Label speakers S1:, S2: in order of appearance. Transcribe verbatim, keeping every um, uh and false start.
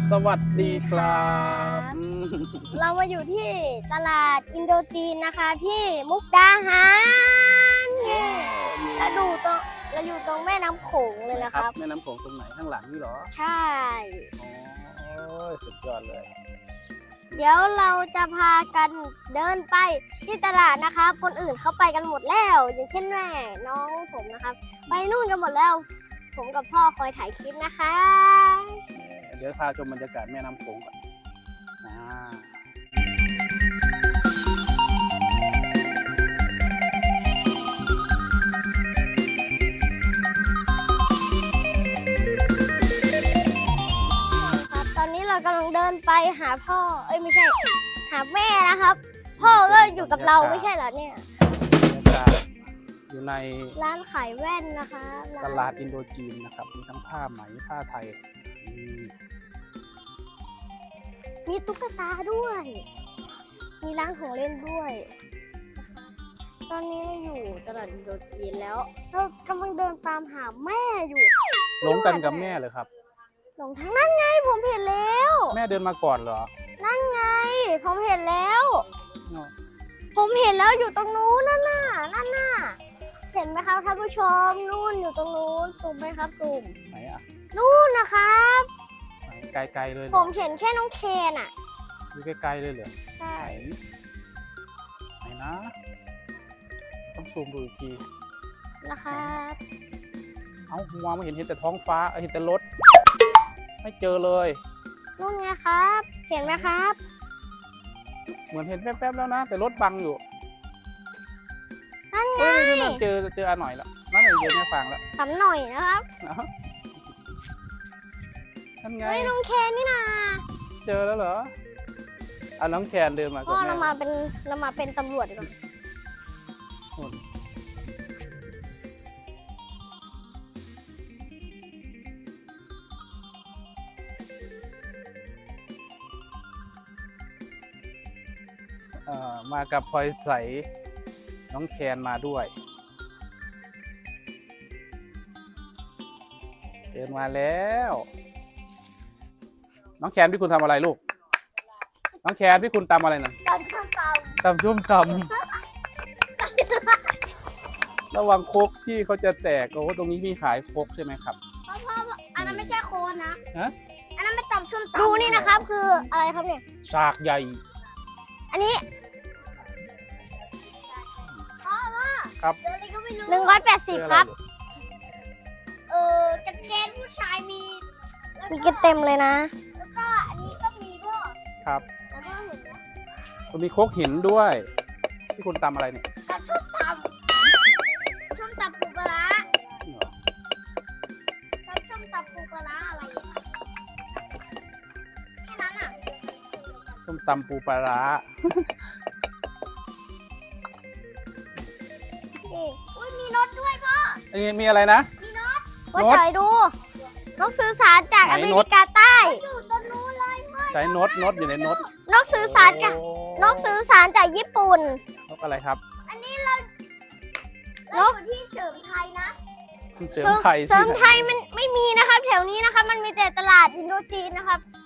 S1: สวัสดีครับ
S2: เรามาอยู่ที่ตลาดอินโดจีนนะคะที่มุกดาหาร แล้วดูตรงเราอยู่ตรงแม่น้ำโขงเลยนะครับ
S1: แม่น้ำโขงตรงไหนข้างหลังนี่เหรอ
S2: ใช่
S1: โอ้ยสุดยอดเลย
S2: เดี๋ยวเราจะพากันเดินไปที่ตลาดนะครับคนอื่นเขาไปกันหมดแล้วอย่างเช่นแม่น้องผมนะครับไปนู่นกันหมดแล้วผมกับพ่อคอยถ่ายคลิปนะคะ
S1: เดี๋ยวพาชมบรรยากาศแม่น้ำโขงก่อน
S2: ครับตอนนี้เรากำลังเดินไปหาพ่อเอ้ยไม่ใช่หาแม่นะครับพ่อก็อยู่กับเราไม่ใช่เหรอเนี่ย
S1: บรรยากาศอยู่ใน
S2: ร้านขายแว่นนะคะ
S1: ตลาดอินโดจีนนะครับมีทั้งผ้าไหมผ้าไทย
S2: มีตุ๊กตาด้วยมีร้านของเล่นด้วยตอนนี้เราอยู่ตลาดอินโดจีนแล้วเรากำลังเดินตามหาแม่อยู่
S1: หลงกันกับแม่เลยครับ
S2: หลงทางนั่นไงผมเห็นแล้ว
S1: แม่เดินมาก่อนเหรอ
S2: นั่นไงผมเห็นแล้วผมเห็นแล้วอยู่ตรงนู้นนั่นน่ะนั่นน่ะเห็นไหมครับท่านผู้ชมนู่นอยู่ตรงนู้นซูมไหมครับซูม
S1: ไหนอ่ะ
S2: นู่นนะครับ
S1: ไกลๆเลย
S2: ผมเห็นแค่น้องเคนอ่ะ
S1: อยู่ไกลๆเลยเหรอ
S2: ใช่
S1: ไหนนะต้องซูมดูอีกที
S2: นะครับ
S1: เอาหัวไม่เห็นเห็นแต่ท้องฟ้าเห็นแต่รถไม่เจอเลย
S2: นู่นไงครับเห็นไหมครับ
S1: เหมือนเห็นแป๊บๆแล้วนะแต่รถบังอยู่
S2: นั่นไง
S1: เจอเจออันหน่อยแล้วนั่นเลยเจอแม่ฟางแล้ว
S2: สำหน่อยนะครับ
S1: นั่นไง
S2: เฮ้ยน้องแคนนี่นะ
S1: เจอแล้วเหรออ่ะน้องแคนเดินมา
S2: พ่อเรามาเป็นเรามาเป็นตำรวจดีกว่า
S1: เอ่อมากับพลอยใสน้องแคนมาด้วยเดินมาแล้วน้องแคนพี่คุณทำอะไรลูกน้องแคนพี่คุณตำอะไรนั่น
S2: ตำส้มตำ
S1: ตำส้มตำระวังโคกที่เขาจะแตกโอ้ตรงนี้มีขายโคกใช่ไหมครับ
S2: พ่อพ่ออันนั้นไม่ใช่โคนนะ
S1: ฮะ
S2: อันนั้นเป็นตำส้มตำดูนี่นะครับคืออะไรครับเนี่ย
S1: สากใหญ่
S2: อันนี้พ่อพ่อ
S1: ครับ
S2: หนึ่งร้อยแปดสิบครับเออกางเกงผู้ชายมีมีกระเต็มเลยนะแล้วก็อันนี้ก็มีพ่อ
S1: ครับ
S2: แล้วพ่อเห็นไหม
S1: มันมีโคกหินด้วยที่คุณตำอะไรเนี่ย
S2: ตำส้มตำส้มตำปูปลาตำส้มตำปูปลาอะไรแค่นั้นอ่ะ
S1: ส้มตำปูปลา
S2: อุ้ยมีรถด้วยพ่อ
S1: มีอะไรนะ
S2: มีรถพ่อจ่อยดูนกสื่อสารจากอเมริกาใต้อยู่ตรงนู้นเลย
S1: ใช้นกนกอยู่ในนก
S2: นกสื่อสารจากนกสื่อสารจากญี่ปุ่น
S1: นกอะไรครับ
S2: อันนี้เราเราอยู่ที่เสริมไทยนะ
S1: เสริมไทย
S2: เสริมไทยมันไม่มีนะครับแถวนี้นะครับมันมีแต่ตลาดอินโดจีนนะครับ